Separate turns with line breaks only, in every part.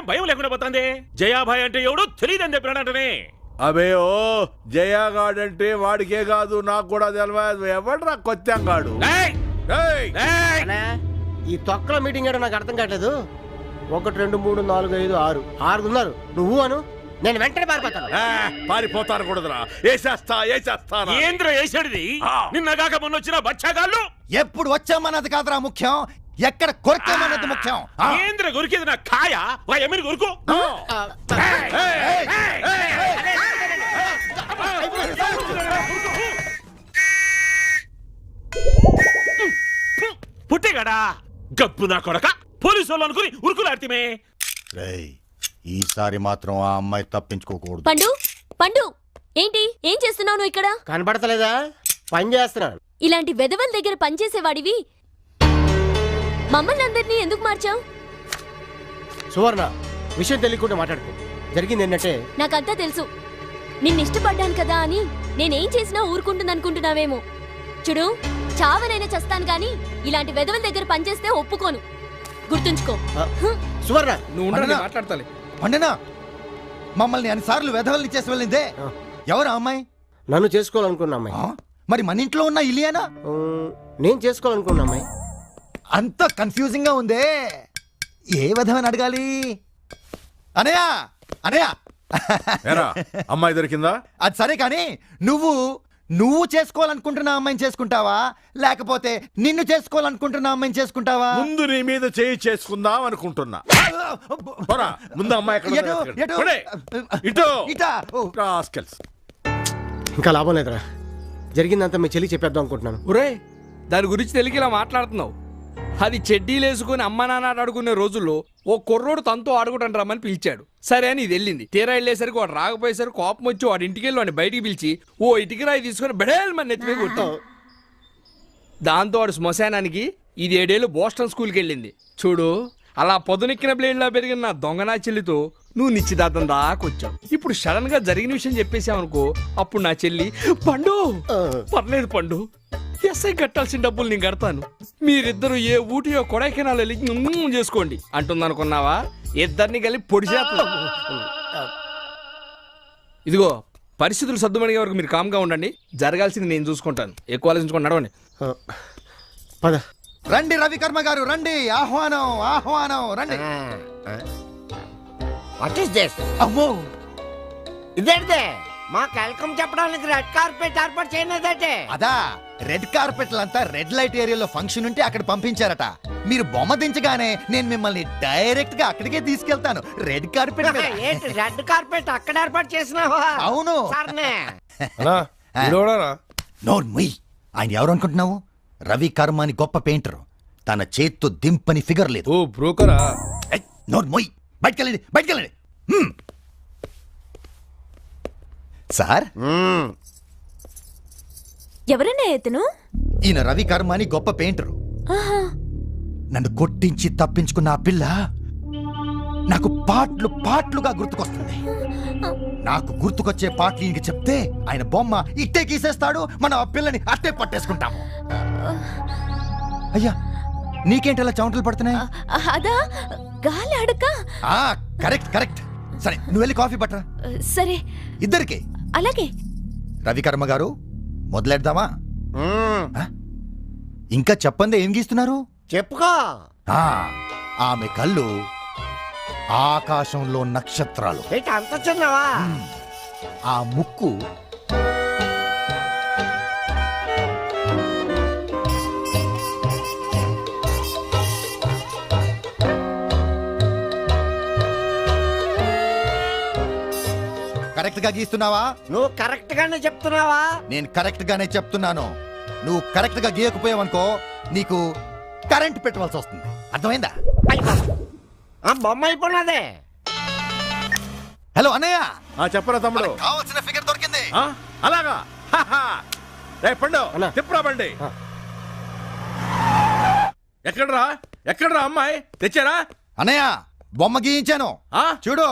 ఏం భయం లేకుండా పోతుంది? జయాభాయ్ అంటే ఎవడు తెలియదని చెప్పినాడంటనే.
అబే ఓ జయాగాడంటే వాడికే కాదు నాకు కూడా తెలియదు. ఎవడరా కొత్తంగాడు?
ఈ తొక్కల మీటింగ్ ఏడో నాకు అర్థం కావట్లేదు. 1 2 3 4 5 6 6 ఉన్నారు. నువ్వు అను, నేను వెంటనే పారిపోతాను.
పారిపోతాను కూడదురా, ఏసేస్తా.
ఏంద్ర వేసాడిది? నిన్నగాక మొన్న వచ్చిన బచ్చాగాళ్ళు.
ఎప్పుడు వచ్చామన్నది కాదురా ముఖ్యం, ఎక్కడ కొరకామన్నది ముఖ్యం.
ఏంద్ర గురికేది నా కాయ ఎమిరి గురుకు. పుట్టేగాడా గప్పు నా కొడక, పోలీసు వాళ్ళు అనుకుని ఉరుకులాడితే.
ఈసారి మాత్రం ఆ అమ్మాయి తప్పించుకోకూడదు.
పండు పండు ఏంటి ఏం చేస్తున్నావు నువ్వు ఇక్కడ?
కనబడతలేదా? పని చేస్తున్నాను.
ఇలాంటి వెధవల దగ్గర పనిచేసేవాడివి మమ్మల్ని అందరినీ ఎందుకు మార్చావు?
సువర్ణ, విషయం తెలియకుండా మాట్లాడుకో. జరిగింది ఏంటంటే,
నాకంతా తెలుసు. నిన్నిష్టపడ్డాను కదా అని నేనేం చేసినా ఊరుకుంటుందనుకుంటున్నావేమో. చూడు, చావనైనా చస్తాను గాని ఇలాంటి వెధవల దగ్గర పనిచేస్తే ఒప్పుకోను, గుర్తుంచుకో.
సువర్ణ
నువ్వు మాట్లాడతాలి.
పండినా మమ్మల్ని అన్నిసార్లు వెధవల్ని చేసి వెళ్ళిందే ఎవరు అమ్మాయి?
నన్ను చేసుకోవాలనుకున్న అమ్మాయి.
మరి మన ఇంట్లో ఉన్న ఇలియానా?
నేను చేసుకోవాలనుకున్న అమ్మాయి.
అంత కన్ఫ్యూజింగ్ గా ఉందే, ఏ విధమని అడగాలి? అనయా అనయా
అమ్మాయి దొరికిందా?
అది సరే కానీ నువ్వు చేసుకోవాలనుకుంటున్న అమ్మాయిని చేసుకుంటావా, లేకపోతే నిన్ను చేసుకోవాలనుకుంటున్న అమ్మాయిని చేసుకుంటావా?
ముందు నీ మీద చేయి చేసుకుందాం అనుకుంటున్నా. ముందు అమ్మాయి
ఇంకా లాభం లేదురా. జరిగిందంతా మీ చెల్లి చెప్పేద్దాం అనుకుంటున్నాను.
ఒరే, దాని గురించి తెలిసి ఇలా మాట్లాడుతున్నావు. అది చెడ్డీలు వేసుకుని అమ్మ నాన్న అడుగునే రోజుల్లో ఓ కుర్రోడు తనతో ఆడుకుంటాను రమ్మని పిలిచాడు. సరే అని ఇది వెళ్ళింది. తీరా వెళ్ళేసరికి వాడు రాకపోయేసరికి కోపం వచ్చి వాడి ఇంటికి వెళ్ళి వాడిని బయటికి పిలిచి ఓ ఇటుకి రాయి తీసుకుని బెడేల్ మన నెత్తిమే కొట్టావు. దాంతో వాడు శ్మశానానికి, ఇది 7 ఏళ్ళు బోస్టన్ స్కూల్కి వెళ్ళింది. చూడు, అలా పొదనెక్కిన బ్లేడ్లా పెరిగిన నా దొంగనా చెల్లితో నువ్వు నిశ్చితార్థం దాకొచ్చావు. ఇప్పుడు సడన్ గా జరిగిన విషయం చెప్పేసావనుకో, అప్పుడు నా చెల్లి పండు పర్లేదు పండు, ఎస్ఐ కట్టాల్సిన డబ్బులు నేను కడతాను, మీరిద్దరు ఏ ఊటియో కొడైకెనాల్ వెళ్ళి చేసుకోండి అంటుందనుకున్నావా? ఇద్దరిని కలిపి పొడి చేస్తా. ఇదిగో, పరిస్థితులు సర్దుమణిగే వరకు మీరు కామ్గా ఉండండి. జరగాల్సింది నేను చూసుకుంటాను. ఎక్కువ ఆలోచించుకొని నడవండి.
పద.
రండి రవికర్మ గారు, రండి. ఆహ్వానం ఆహ్వానం, రండి.
What is this?
అమ్మో,
ఇదేంటే మాకు వెల్కమ్ చెప్పడానికి రెడ్ కార్పెట్ ఏర్పాటు చేయలేదంటే?
అదా, రెడ్ కార్పెట్ అంతా రెడ్ లైట్ ఏరియాలో ఫంక్షన్ ఉంటే అక్కడ పంపించారట. మీరు బొమ్మ దించగానే నేను మిమ్మల్ని డైరెక్ట్ గా అక్కడికే తీసుకెళ్తాను. రెడ్ కార్పెట్ మీద.
రెడ్ కార్పెట్ అక్కడ ఏర్పాటు చేసినావా?
అవును.
నోరు
ముయ్. ఆయన ఎవరు అనుకుంటున్నావు? రవి కర్మ అని గొప్ప పెయింటర్. తన చేత్తో దింపని ఫిగర్ లేదు.
ఓ బ్రోకరా?
నోరు మొయ్. బయటకెళ్ళండి, బయటకెళ్ళండి. సార్,
ఎవరన్నా ఎతను?
ఈయన రవి కర్మ అని గొప్ప పెయింటరు. నన్ను కొట్టించి తప్పించుకున్న ఆ పిల్ల నాకు పాటలుగా గుర్తుకొస్తుంది. నాకు గుర్తుకొచ్చే పాటలు ఈయనకి చెప్తే ఆయన బొమ్మ ఇట్టే గీసేస్తాడు. మనం ఆ పిల్లని అట్టే పట్టేసుకుంటాము. అయ్యా, నీకేంటి అలా చెమటలు పడుతున్నాయి?
అదా, గాలి అడక.
Correct correct. సరే, నువ్వు వెళ్ళి కాఫీ పట్టరా.
సరే,
ఇద్దరికి.
అలాగే.
రవికర్మ గారు, మొదలెడదామా? ఇంకా చెప్పండి, ఏం గీస్తున్నారు?
చెప్పుకో.
ఆమె కళ్ళు ఆకాశంలో నక్షత్రాలు.
అంత చిన్నవా?
ఆ ముక్కు కరెక్ట్ గా గీస్తున్నావా?
నువ్వు కరెక్ట్ గానే చెప్తున్నావా?
నేను కరెక్ట్ గానే చెప్తున్నాను. నువ్వు కరెక్ట్ గా గీయకపోయావనుకో, నీకు కరెంట్ పెట్టవలసి వస్తుంది. అర్థమైందా?
ఆ బొమ్మ అయిపోయినదే.
హలో అన్నయ్య.
చెప్పరా తమ్ముడు,
కావాల్సిన ఫిగర్ దొరికింది.
అలాగా? పండు తిప్పురా బండి. ఎక్కడరా అమ్మాయి? తెచ్చారా?
అన్నయ్య, బొమ్మ గీయించాను, చూడు.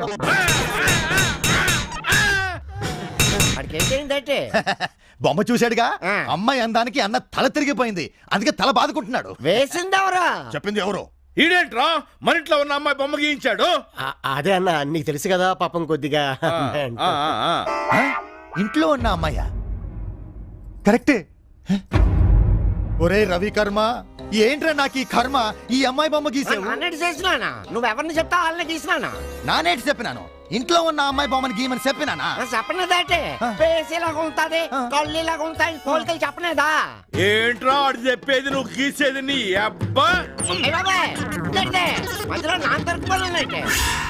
వాడికి ఏం చేయిందంటే
బొమ్మ చూశాడుగా
ఆ.
అమ్మాయి అందానికి అన్న తల తిరిగిపోయింది, అందుకే తల బాదుకుంటున్నాడు.
వేసిందెవరా?
చెప్పింది ఎవరు?
ఈడేంట్రా మన ఇంట్లో ఉన్న అమ్మాయి బొమ్మ గీయించాడు?
అదే అన్న, నీకు తెలుసు కదా పాపం కొద్దిగా.
ఆ, ఆ.
ఆ? ఇంట్లో ఉన్న అమ్మాయ్యా? కరెక్టే. హ? ఒరే రవి కర్మ, ఏంట్రా నాకు ఈ కర్మ? ఈ అమ్మాయి బొమ్మ గీసావు.
అన్నట్టు చేసినానా? నువ్వెవరిని చెప్తా వాళ్ళని గీసినానా?
నానేటి చెప్పినాను, ఇంట్లో ఉన్న అమ్మాయి బొమ్మని గీయమని చెప్పినానా?
చెప్పనేదంటే పేసేలాగా ఉంటది, కళ్ళులాగా ఉంటాయి, పోలికలు చెప్పనేదా?
ఏంట్రా ఆడు చెప్పేది నువ్వు గీసేది నీ అబ్బా?
ఏ బాబాయ్, ఇదేంటి? మధ్యలో నా దొరికిపోయినట్టే.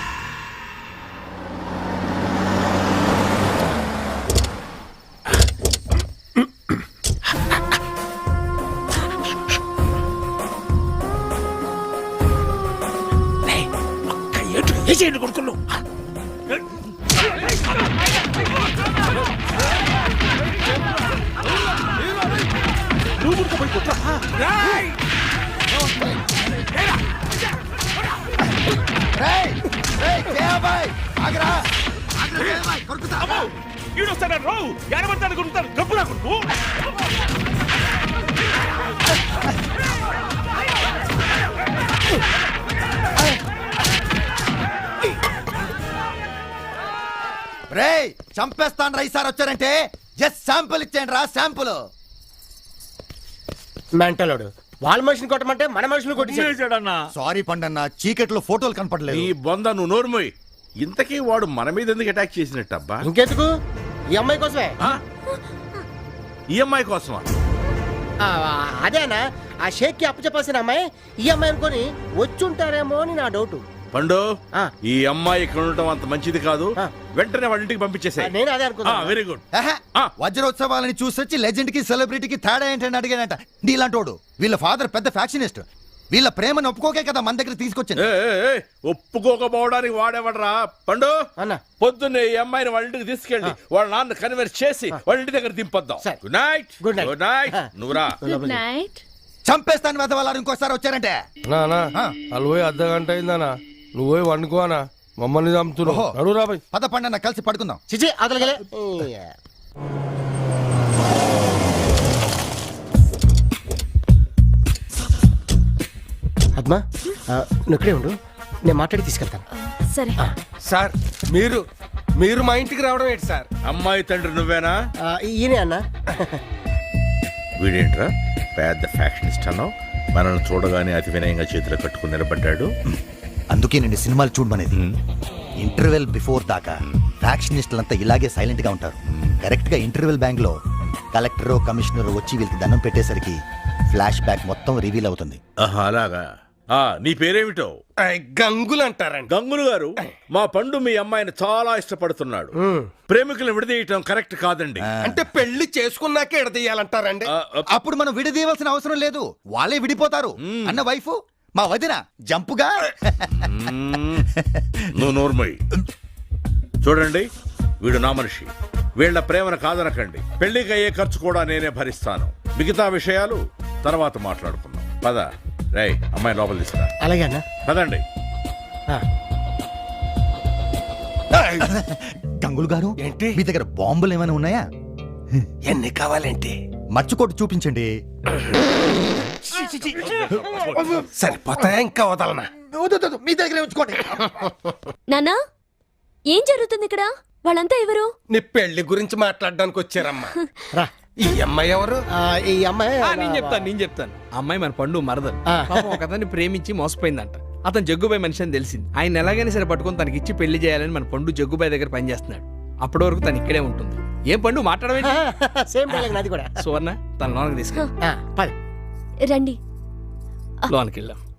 కొడుకులు
రేయ్, రేయ్, జయాబాయ్, ఆగరా.
ఈడొస్తాడు రావు ఎడబడతాడు కొడుతాడు గబ్బునా కొడుకు.
రేయ్, చంపేస్తాను రా ఈసారి వచ్చారంటే. జస్ట్ శాంపుల్ ఇచ్చేయండి రా, శాంపుల్.
మెంటలోడు వాళ్ళ మనిషిని కొట్టమంటే మన మనుషులు కొట్టి.
అన్నా
సారీ పండన్న, చీకట్లో ఫోటోలు
నీ
కనపడలేదు.
బొంద నువ్వు నోరుమోయ్. ఇంతకీ వాడు మన మీద ఎందుకు అటాక్ చేసినట్టు అబ్బా?
ఇంకెందుకు? ఈ అమ్మాయి కోసమే.
ఈ అమ్మాయి కోసమా?
ఆ, అదేనా ఆ షేక్ కి అప్పచెప్పాల్సిన అమ్మాయి ఈ అమ్మాయి అనుకొని వచ్చుంటారేమో అని నా డౌట్.
పండు,
ఆ.
ఈ అమ్మాయి ఇక్కడ ఉండటం అంత మంచిది కాదు.
ఆ.
వెంటనే వాళ్ళ ఇంటికి పంపించేసే.
నేను అదే అనుకున్నా.
Very good.
ఆహా,
ఆ.
వజ్రోత్సవాలని చూసొచ్చి లెజెండ్ కి సెలబ్రిటీకి తేడా ఏంటని అడిగానంట. నీలాంటోడు వీళ్ళ ఫాదర్ పెద్ద ఫ్యాక్షనిస్ట్. వీళ్ళ ప్రేమను ఒప్పుకోకే కదా మన దగ్గర తీసుకొచ్చింది.
ఒప్పుకోకపోవడానికి వాడేవడరా? పండు,
అన్న.
పొద్దున్నే ఈ అమ్మాయిని వాళ్ళ ఇంటికి తీసుకెళ్ళి వాళ్ళ నాన్న కన్వర్ట్ చేసి వాళ్ళ ఇంటి దగ్గర దింపొద్దాం.
సరే.
Good night.
Good night.
Good night. నువ్వురా.
Good night.
చంపేస్తాను వెదవాలని ఇంకోసారి వచ్చారంటే.
నానా
ఆ.
వాళ్ళు పోయి అర్ధ గంట అయిందనా, నువ్వు పోయి వండుకో అనా, మమ్మల్ని చంపుతున్నావు.
ఓహో.
నడు రాబాయ్.
పద పండన్న, కలిసి పడుకుందాం.
చిచి అతలగలే. అద్మా, నువ్వు ఇక్కడే ఉండు, నేను మాట్లాడి తీసుకెళ్తాను.
సరే.
సార్ మీరు మా ఇంటికి రావడం ఏంటి సార్?
అమ్మాయి తండ్రి నువ్వేనా?
ఈయనే అన్న.
వీడేంట్రా పెద్ద ఫ్యాక్షనిస్ట్ అన్నావు, మనల్ని చూడగానే అతి వినయంగా చేతిలో కట్టుకుని నిలబడ్డాడు.
అందుకే నేను సినిమాలు చూడమనేది. ఇంటర్వెల్ బిఫోర్ దాకా ఫ్యాక్షనిస్టులంతా ఇలాగే సైలెంట్ గా ఉంటారు. కరెక్ట్ గా ఇంటర్వెల్ బ్యాంక్ లో కలెక్టర్ కమిషనర్ వచ్చి వీళ్ళకి దండం పెట్టేసరికి ఫ్లాష్ బ్యాక్ మొత్తం రివీల్ అవుతుంది.
ఆహా, అలాగా. నీ పేరేమిటో?
గంగులు అంటారండి.
గంగులు గారు, మా పండు మీ అమ్మాయిని చాలా ఇష్టపడుతున్నాడు. ప్రేమికులను విడదీయటం కరెక్ట్ కాదండి.
అంటే పెళ్లి చేసుకున్నాకే ఎడదీయాలంటారండి.
అప్పుడు మనం విడదీయవలసిన అవసరం లేదు, వాళ్ళే విడిపోతారు అన్న వైఫ్ మా వదిన జంపుగా.
నువ్వు నోర్మోయ్. చూడండి, వీడు నా మనిషి. వీళ్ళ ప్రేమను కాదనకండి. పెళ్లికి అయ్యే ఖర్చు కూడా నేనే భరిస్తాను. మిగతా విషయాలు తర్వాత మాట్లాడుకుందాం. పద. రేయ్, అమ్మాయి లోపల తీసుకురా.
అలాగే అన్న.
పదండి.
గంగులు గారు,
ఏంటి?
మీ దగ్గర బాంబులు ఏమైనా ఉన్నాయా?
ఎన్ని కావాలంటే
మర్చికోటి చూపించండి.
సరిపోతాయా, ఇంకా వదలనా?
మీ దగ్గర ఉంచుకోండి.
నాన్నా, ఏం జరుగుతుంది ఇక్కడ? వాళ్ళంతా ఎవరు?
నీ పెళ్లి గురించి మాట్లాడడానికి వచ్చారమ్మా.
రా.
ఈ అమ్మాయి ఎవరు?
ఈ అమ్మాయి
నేను చెప్తాను. అమ్మాయి మన పండు మరదలు. పాపం ఒక అతన్ని ప్రేమించి మోసపోయిందంట. అతను జగ్గుబాయ్ మనిషి అని తెలిసింది. ఆయన ఎలాగైనా సరే పట్టుకొని తనకి ఇచ్చి పెళ్లి చేయాలని మన పండు జగ్గుబాయ్ దగ్గర పనిచేస్తున్నాడు. అప్పటి వరకు తను ఇక్కడే ఉంటుంది. ఏం పండు మాట్లాడమే?
సేమ్ డైలాగ్ నాది కూడా.
సువర్ణ, తన లోనకి తీసుకెళ్ళి
పది.
రండి.
లోనకి వెళ్దాం.